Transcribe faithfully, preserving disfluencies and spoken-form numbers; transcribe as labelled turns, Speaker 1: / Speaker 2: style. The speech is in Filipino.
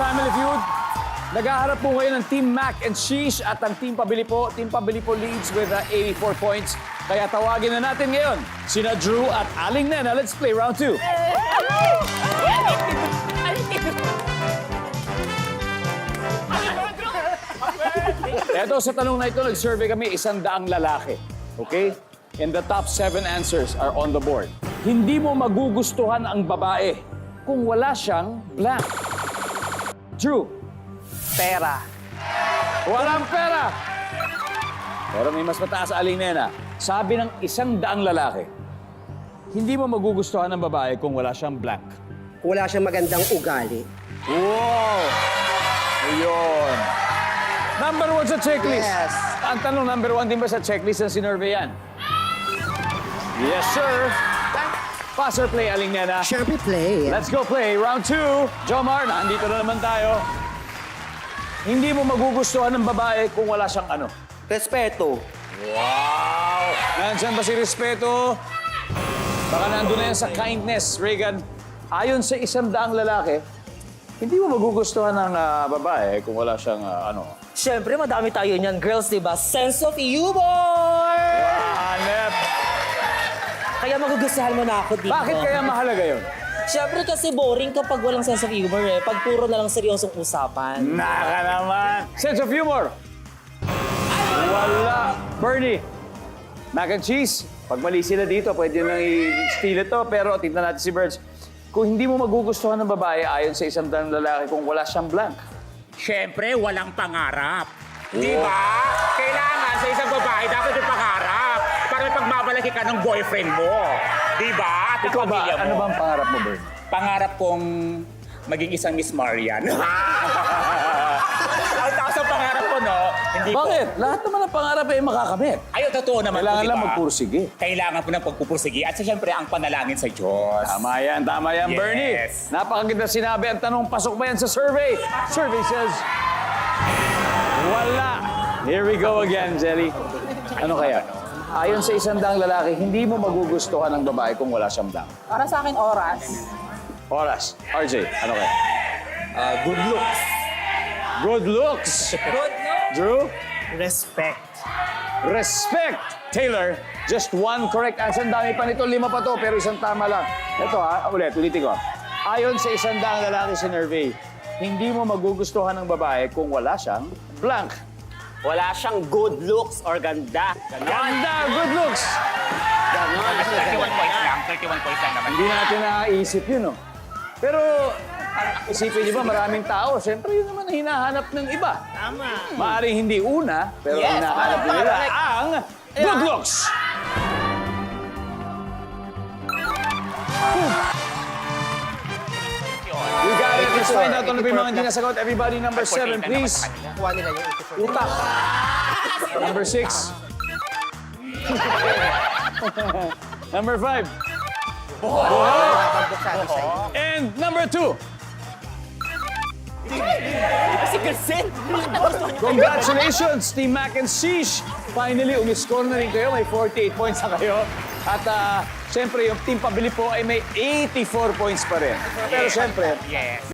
Speaker 1: Family Feud. Naghaharap po ngayon ng Team Mac and Sheesh at ang Team Pabili po. Team Pabili po leads with uh, eighty-four points. Kaya tawagin na natin ngayon sina Drew at Aling Nena. Let's play round two. Eto, sa tanong na ito, nag-survey kami isang daang lalaki. Okay? And the top seven answers are on the board. Hindi mo magugustuhan ang babae kung wala siyang blank. Drew.
Speaker 2: Pera.
Speaker 1: Walang pera. Pero may mas mataas, Aling Nena. Sabi ng isang daang lalaki, hindi mo magugustuhan ng babae kung wala siyang blank.
Speaker 2: Wala siyang magandang ugali.
Speaker 1: Wow! Ayun. Number one sa checklist.
Speaker 2: Yes.
Speaker 1: Ang tanong, number one din ba sa checklist ng sinurvey yan? Yes, sir. Pass or play, Aling Nena?
Speaker 2: Siyempre play.
Speaker 1: Let's go play. Round two. Jomar, nandito na naman tayo. Hindi mo magugustuhan ng babae kung wala siyang ano?
Speaker 2: Respeto.
Speaker 1: Wow! Nandiyan ba si Respeto? Baka nandun na yan sa kindness, Reagan. Ayon sa isang daang lalaki, hindi mo magugustuhan ng ah, babae kung wala siyang ah, ano?
Speaker 3: Siyempre, madami tayo niyan, girls, di ba? Sense of humor!
Speaker 1: Hanep!
Speaker 3: Kaya magugustuhan mo na ako dito.
Speaker 1: Bakit kaya mahalaga yun?
Speaker 3: Siyempre kasi boring kapag walang sense of humor eh. Pag puro na lang seryosong usapan.
Speaker 1: Naka naman! Sense of humor! Wala! Bernie! Mac and cheese. Pag mali sila dito, pwede nang i-steal ito. Pero tignan natin si Birds. Kung hindi mo magugustuhan ng babae ayon sa isang daang lalaki kung wala siyang blank.
Speaker 4: Siyempre, walang pangarap. Di ba? Kailangan sa isang babae, dapat yung pangarap. Para may pagbabalaki ka ng boyfriend mo. Di ba? At ang
Speaker 1: Ikaw ba,
Speaker 4: pamilya mo.
Speaker 1: ano bang pangarap mo, Bernie?
Speaker 4: Pangarap kong maging isang Miss Marian. Ang taas ang pangarap ko, no? Hindi ko.
Speaker 1: Bakit? Lahat naman ng pangarap ay makakamit.
Speaker 4: Ayaw, totoo naman
Speaker 1: Kailangan
Speaker 4: po, di
Speaker 1: lang
Speaker 4: ba?
Speaker 1: magpursige.
Speaker 4: Kailangan po ng pagpupursige. At siyempre, ang panalangin sa Diyos.
Speaker 1: Tama yan, tama yan,
Speaker 4: Yes.
Speaker 1: Bernie. Napakaganda sinabi. Ang tanong, pasok ba yan sa survey? Survey says, wala. Here we go again, Jelly. Ano kaya? Ayon sa isang daang lalaki, hindi mo magugustuhan ng babae kung wala siyang blank.
Speaker 5: Para sa akin, oras.
Speaker 1: Oras. R J, ano kaya?
Speaker 3: Uh, good looks.
Speaker 1: Good looks.
Speaker 3: Good looks.
Speaker 1: Drew?
Speaker 3: Respect.
Speaker 1: Respect. Taylor, just one correct answer. Ang dami pa nito, lima pa to, pero isang tama lang. Ito ha, ulit, ulitin ko. Ayon sa isang daang lalaki sa survey, hindi mo magugustuhan ng babae kung wala siyang blank.
Speaker 2: Wala siyang good looks or ganda.
Speaker 1: Ganda! Good looks!
Speaker 4: thirty-one points lang. thirty-one points lang naman.
Speaker 1: Hindi natin naiisip yun, no? Pero, isipin niyo ba, maraming tao, siyempre yun naman ang hinahanap ng iba.
Speaker 3: Tama.
Speaker 1: Maaring hindi una, pero
Speaker 3: Yes,
Speaker 1: hinahanap
Speaker 3: tama,
Speaker 1: nila
Speaker 3: correct.
Speaker 1: ang good looks! We got it. Let's find out ano ba yung mga hindi nasagot. Everybody, number seven, please.
Speaker 2: Kuha nila yung eighty-four.
Speaker 1: Utak. Number six. Number five. And number two.
Speaker 3: Kasi kasi.
Speaker 1: Congratulations, Team Mac and Sheesh. Finally, umiscore na rin kayo. May forty-eight points na kayo. At uh, siyempre, yung Team Pabili po ay may eighty-four points pa rin. Pero siyempre,
Speaker 4: Yes.